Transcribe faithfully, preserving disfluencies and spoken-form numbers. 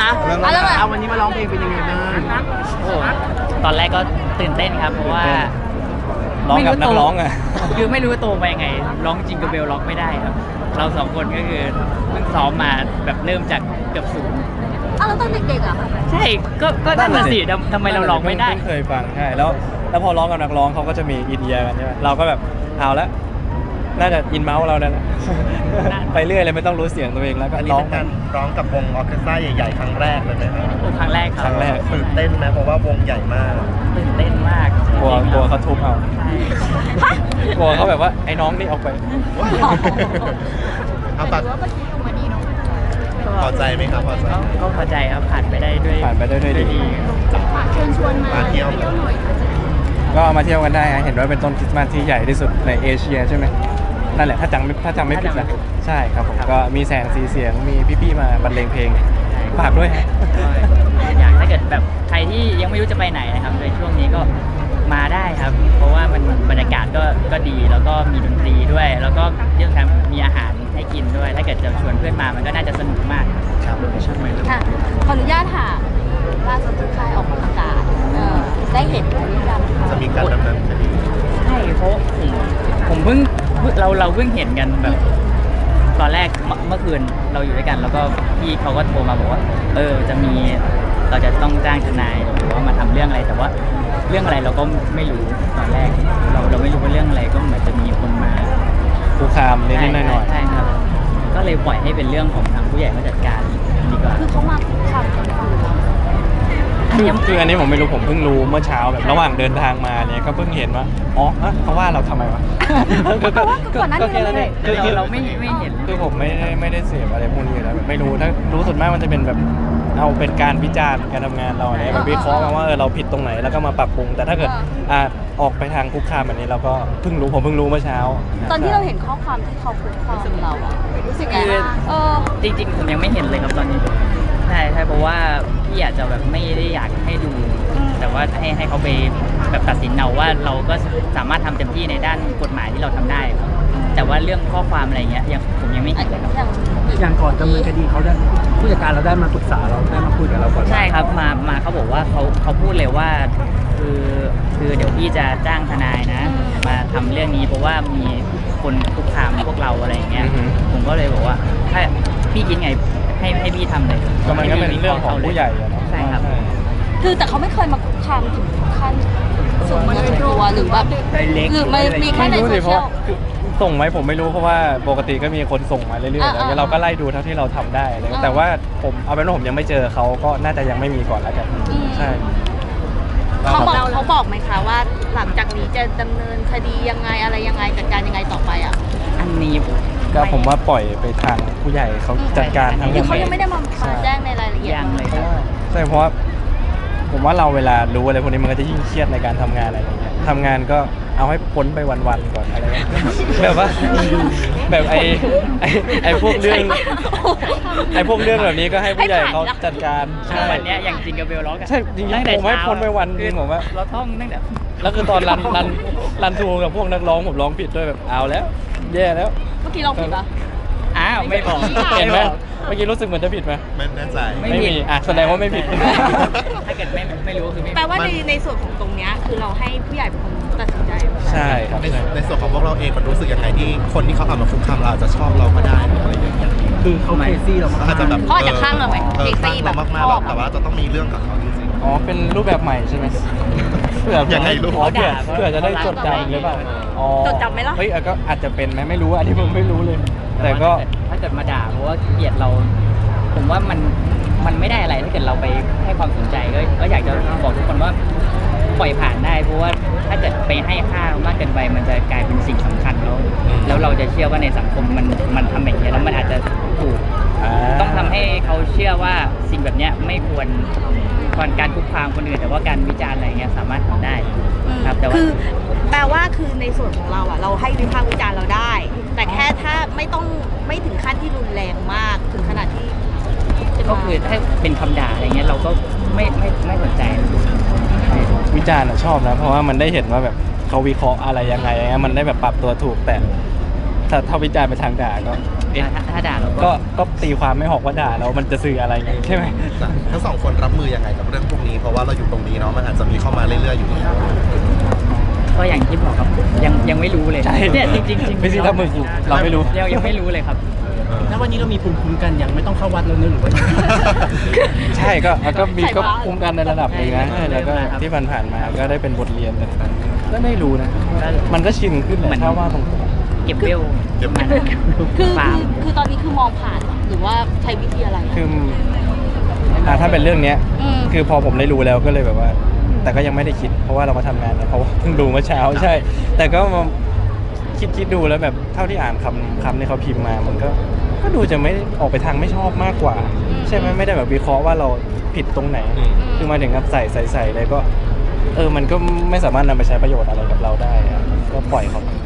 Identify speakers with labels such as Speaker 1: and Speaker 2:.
Speaker 1: นะ
Speaker 2: เอาแล้ว
Speaker 1: เอาวันนี้มาร้องเพลงเป็นยังไงบ้าง
Speaker 3: โอ้ตอนแรกก็ตื่นเต้นครับเพราะว่า
Speaker 4: ร้องกับนักร้องอ่ะ
Speaker 3: คือไม่รู้ว่าโตมายังไงร้องจิงเกิลเบลร้องไม่ได้ครับ เราสองคนก็คือเพิ่งซ้อมมาแบบเริ่มจากเกือบศูนย์
Speaker 2: เอาแล้วตอนเด็กๆอ่ะ
Speaker 3: ใช่ก็ก็นั่นน่ะสิทำทำไมเราร้องไม่ได้
Speaker 4: เพิ่งเคยฟังใช่แล้วแล้วพอร้องกับนักร้องเขาก็จะมีอินเดียกันใช่ไหมเราก็แบบเอาละน่าจะอินเมาส์เราเนี่ยนะ ไปเรื่อยเลยไม่ต้องรู้เสียงตัวเองแล้วก็
Speaker 5: อันนี้
Speaker 4: ร้อง
Speaker 5: เป็นการร้องกับวงออร์เคสตราใหญ่ๆครั้งแรกเลยไหมครับ
Speaker 3: โอ้ครั้งแรกครับ
Speaker 4: ครั้งแรก
Speaker 5: ตื่นเต้นไหมเพราะว่าวงใหญ่มาก
Speaker 3: ตื่นเต้นมาก
Speaker 4: กลัวกลัวเขาทุบเอา
Speaker 3: ใช่
Speaker 4: กลัวเขาแบบว่าไอ้น้องนี่ออกไป
Speaker 5: เอาปากพอใจไหมครับพอใจ
Speaker 3: ก็ก็พอใจครับผ่านไปได้ด้วย
Speaker 4: ผ่านไปได้ด้วยดี
Speaker 2: เชิญชวนมา
Speaker 5: มาเที่ยว
Speaker 2: หน่อยค่ะ
Speaker 4: ก็มาเที่ยวกันได้ฮะเห็นว่าเป็นต้นคริสต์มาสที่ใหญ่ที่สุดในเอเชียใช่ไหมนั่นแหละถ้าจำไม่ถ้าจำไม่ผิดนะใช่ครับผมก็มีแสงสีเสียงมีพี่ๆมาบรรเลงเพลงฝากด้วยฮะ
Speaker 3: ก็อยากถ้าเกิดแบบใครที่ยังไม่รู้จะไปไหนนะครับในช่วงนี้ก็มาได้ครับ เพราะว่ามันบรรยากาศก็ก็ดีแล้วก็มีดนตรีด้วย แล้วก็เรื่องการมีอาหารให้กินด้วย ถ้าเกิดจะชวนเพื่อนมามันก็น่าจะสนุกมากครับใช่ไหม
Speaker 2: ค่ะขออนุญาตถามล่าสุดที่ค่ายออกประกาศเออได้เห็นหรือยัง
Speaker 5: จะมีการดำเนินคดี
Speaker 3: ใช่เพราะผมผมเพิ่งเราเราเพิ่งเห็นกันแบบ ตอนแรกเมื่อเมื่อคืนเราอยู่ด้วยกัน แล้วก็พี่เขาก็โทรมาบอกว่า เออจะมีเราจะต้องจ้างทนายหรือว่ามาทำเรื่องอะไรแต่ว่าเรื่องอะไรเราก็ไม่รู้ตอนแรก เราเราไม่รู้ว่าเรื่องอะไรก็เหมือนจะมีคนมา
Speaker 4: คุกคามนิดๆหน่อย
Speaker 3: ใช่ครับ ก็เลยปล่อยให้เป็นเรื่องของทางผู้ใหญ่มาจัดการดีกว่า
Speaker 2: คือเขามาคุกคามกันอยู่
Speaker 4: ๆคือคืออันนี้ผมไม่รู้ผมเพิ่งรู้เมื่อเช้าแบบระหว่างเดินทางมาเนี่ยก็เพิ่งเห็นว่าอ๋อเอ๊ะเขาว่าเราทำไมวะ
Speaker 2: เพราะว่าก่อนหน้านี้
Speaker 4: แค่นั้นเอง
Speaker 3: คือเราเราไม่ไม่เห็น
Speaker 4: คือผมไม่ได้ไม่ได้เสพอะไรพวกนี้อยู่แล้วแบบไม่รู้ถ้ารู้ส่วนมากมันจะเป็นแบบเอาเป็นการวิจารณ์การทำงานเราเนี่ยแบบวิเคราะห์กันว่าเออเราผิดตรงไหนแล้วก็มาปรับปรุง แต่ถ้าเกิดอ่าออกไปทางคุกคามแบบนี้เราก็เพิ่งรู้ผมเพิ่งรู้เมื่อเช้า
Speaker 2: ตอนที่เราเห็นข้อความที่เขาคุกคามเราอะรู้สึกไงบ้างเออ
Speaker 3: จริงๆผมยังไม่เห็นเลยครับตอนนี้ใช่ใช่เพราะว่าพี่อาจจะแบบไม่ได้อยากให้ดู แต่ว่าให้ให้เขาไปแบบตัดสินเอาว่าเราก็สามารถทำเต็มที่ในด้านกฎหมายที่เราทำได้ครับแต่ว่าเรื่องข้อความอะไรเงี้ยยังผมยังไม่เห็นเลยครับ
Speaker 2: อย่าง
Speaker 1: อย่างก่อนดำเนินคดีเขาได้ผู้จัดการเราได้มาปรึกษาเราได้มาคุยกับเราก่อน
Speaker 3: ใช่ครับมามาเขาบอกว่าเขาเขาพูดเลยว่าคือคือเดี๋ยวพี่จะจ้างทนายนะ มาทำเรื่องนี้เพราะว่ามีคนคุกคามพวกเราอะไรอย่างเงี้ย
Speaker 4: อือฮึ
Speaker 3: ผมก็เลยบอกว่าถ้าพี่คิดไงให้ให้พี่ทำเลย
Speaker 4: ก็มันก็เป็นเรื่องของผู้ใหญ่อะเนาะ
Speaker 3: ใช่ครับ
Speaker 2: คือแต่เขาไม่เคยมาคุกคามถึงขั้นส่งมาถึงตัวหรือแบบ
Speaker 3: ไดเรก
Speaker 2: หรือมันมีแค่ใน
Speaker 4: ไม่รู้
Speaker 2: โซ
Speaker 4: สิเพ
Speaker 2: เชีย
Speaker 4: ราะ
Speaker 2: ล
Speaker 4: คือส่งไหมผมไม่รู้เพราะว่าปกติก็มีคนส่งมาเรื่อยๆ
Speaker 2: อ่า
Speaker 4: แล้ว
Speaker 2: อ่า
Speaker 4: เราก็ไล่ดูเท่าที่เราทำได้อะไรเงี้ย
Speaker 2: อ่า
Speaker 4: แต่ว่าผมเอาเป็นว่าผมยังไม่เจอเขาก็น่าจะยังไม่มีก่อนแล้วกัน
Speaker 2: อืม
Speaker 4: ใช่
Speaker 2: เขาบอกเขาบอกไหมคะว่าหลังจากนี้จะดำเนินคดียังไงอะไรยังไงจัดการยังไงต่อไปอ่ะ
Speaker 3: อันนี้ผม
Speaker 4: ก็ผมว่าปล่อยไปทางผู้ใหญ่เขาจัดการทั้งหม
Speaker 2: คือ
Speaker 4: ด
Speaker 2: เขายังไม่ได้มามาแจ้งในรายละเอียด
Speaker 3: ยังเลยครับ
Speaker 4: ใช่เพราะว่าผมว่าเราเวลารู้อะไรพวกนี้มันก็จะยิ่งเครียดในการทำงานอะไรอย่างเงี้ยทำงานก็เอาให้พ้นไปวันๆก่อนอะไรเงี้ยแบบว่าแบบไอ้ไอ้ไอ้พวกเรื่องไอ้พวกเรื่องแบบนี้ก็ให้ผู้ใหญ่เขาจัดการใช่
Speaker 3: วันเนี้ยอย่างจิงกับเบลร้องกัน
Speaker 4: ใช่จริงๆ
Speaker 3: ตั้แต่
Speaker 4: ผมให้
Speaker 3: เช้า
Speaker 4: พ้นไปวันหนึ่งผมว่า
Speaker 3: เราท่องตั้งแต่
Speaker 4: แล้วคือตอนรันรันรันทูกับพวกนักร้องผมร้องผิดด้วยแบบเอาแล้ว แย่แล้ว
Speaker 2: เมื่อกี้เราผิดปะ
Speaker 3: อ้าวไม่บอก
Speaker 4: เห็นไหม
Speaker 3: บอก
Speaker 4: เมื่อกี้รู้สึกเหมือนจะผิดไหม
Speaker 5: ไม่แน่ใจ
Speaker 3: ไม่
Speaker 4: ไม่
Speaker 3: ผิด
Speaker 4: มีอ่ะแสดงว่าไม่ผิด
Speaker 3: ถ้าเกิดไม่ไม่รู้คือไม่
Speaker 2: แปลว่าในในส่วนของตรงเนี้ยคือเราให้ผู้ใหญ่เป็นคนตัดสินใจ
Speaker 4: ใช่ครับ
Speaker 5: ใน
Speaker 4: ใช่
Speaker 5: ในส่วนของพวกเราเองมันรู้สึกยังไงที่คนที่เขาเอามาคุกคามเราอาจจะชอบเราก็ได้หรืออะไรอย่างเงี้ย
Speaker 1: คือเขาเคซี่เรา
Speaker 5: อาจจะแบบ
Speaker 2: เขาอาจจะข้างเราไหม
Speaker 5: เออ
Speaker 2: เซ็ก
Speaker 5: ข้า
Speaker 2: ซี่
Speaker 5: ง
Speaker 2: แบ
Speaker 5: เรา
Speaker 2: บ
Speaker 5: มากๆหรอกแต่ว่าจะต้องมีเรื่องกับเขาจริง
Speaker 4: อ๋อเป็นรูปแบบใหม่ใช่ไหมเผื่อ
Speaker 5: ยังไงลูก
Speaker 4: อ๋อเผื่อเผื่อจะได้จดจำหรือเปล่าอ๋อ
Speaker 2: จดจำไหมล่ะ
Speaker 4: เฮ้ยเออก็อาจจะเป็นไหมไม่รู้อันนี้ผมไม่รู้เลย แต่ก็
Speaker 3: ถ้าเกิดมาด่าเพราะว่าเกลียดเรา ผมว่ามันมันไม่ได้อะไรถ้าเกิดเราไปให้ความสนใจก็ก็อยากจะบอกทุกคนว่าปล่อยผ่านได้ เพราะว่าถ้าเกิดไปให้ค่ามากเกินไปมันจะกลายเป็นสิ่งสำคัญแล้วแล้วเราจะเชื่อว่าในสังคมมันมันทำแบบนี้แล้วมันอาจจะถูก
Speaker 4: อ่า
Speaker 3: ต้องทำให้เขาเชื่อว่าสิ่งแบบเนี้ยไม่ควรก่อนการคุกคามคนอื่นแต่ว่าการวิจารณ์อะไรเงี้ยสามารถทำได้ครับแต่ว่า
Speaker 2: คือแปลว่าคือในส่วนของเราอ่ะเราให้วิพากษ์วิจารณ์เราได้ แต่แค่ถ้าไม่ต้องไม่ถึงขั้นที่รุนแรงมากถึงขนาดที่จะมา
Speaker 3: ก็คือถ้าเป็นคำด่าอะไรเงี้ยเราก็ไม่ไม่ไม่สนใจ
Speaker 4: วิจารณ์อะชอบนะ เพราะว่ามันได้เห็นว่าแบบเขาวิเคราะห์อะไรยังไงอย่างเงี้ยมันได้แบบปรับตัวถูกแต่ถ้าถ้าวิจารณ์ไปทางด่าก็เอ๊ะ
Speaker 3: ถ้าถ้าด่าเรา
Speaker 4: ก็
Speaker 3: ก็
Speaker 4: ก็ตีความไม่ออกว่าด่าแล้วมันจะสื่ออะไรไงใช่ไหม
Speaker 5: ทั้งสองคนรับมือยังไงกับเรื่องพวกนี้ เพราะว่าเราอยู่ตรงนี้เนาะมันอาจจะมีเข้ามาเรื่อยๆอยู่แล้ว
Speaker 3: ก็อย่างที่บอกครับยังยังไม่รู้เลย
Speaker 4: ใช่
Speaker 3: เนี่ยจริงๆจริงๆ
Speaker 4: ไม่ใช่ถ้ามือคือเราไม่รู้
Speaker 3: ยังยังไม่รู้เลยครับ
Speaker 1: แล้ววันนี้เรามีภูมิคุ้มกันยังไม่ต้องเข้าวัดแล้วเนอะหรือว่า
Speaker 4: ใช่ก็ก็มี
Speaker 2: ใส่
Speaker 4: ก็
Speaker 2: บาตร
Speaker 4: คุ้มกันในระดับหนึงนะ
Speaker 3: ใช่
Speaker 4: แล้วก็
Speaker 3: ครับ
Speaker 4: ที่ผ่านๆมาก็ได้เป็นบทเรียนแต่ก็ไม่รู้นะ
Speaker 3: ก็
Speaker 4: มันก็ชินขึ้นแห
Speaker 3: เหมื
Speaker 4: ละ
Speaker 3: อน
Speaker 4: ถ้าว่าตรง
Speaker 3: เก็บเบล
Speaker 5: เก็บ
Speaker 3: มัน
Speaker 2: คือ
Speaker 3: เปล่า
Speaker 2: คือคือตอนนี้คือมองผ่านเหรอหรือว่าใช้วิธีอะไร
Speaker 4: ๆคืออ่าถ้าเป็นเรื่องเนี้ย
Speaker 2: อืม
Speaker 4: คือพอผมได้รู้แล้วก็เลยแบบว่า แต่ก็ยังไม่ได้คิด เพราะว่าเรามาทำงานเนี่ยเพราะว่าเพิ่งดูเมื่อเช้าใช่ แต่ก็มาคิดคิดดูแล้วแบบเท่าที่อ่านคำคำที่เขาพิมพ์มา มันก็ก็ดูจะไม่ออกไปทางไม่ชอบมากกว่า ใช่ไหมไม่ได้แบบวิเคราะห์ว่าเราผิดตรงไหน
Speaker 5: อืม
Speaker 4: คือมาถึงกับใส่ใส่ใส่เลยก็ เออมันก็ไม่สามารถนำไปใช้ประโยชน์อะไรกับเราได้อะก็ปล่อยเขา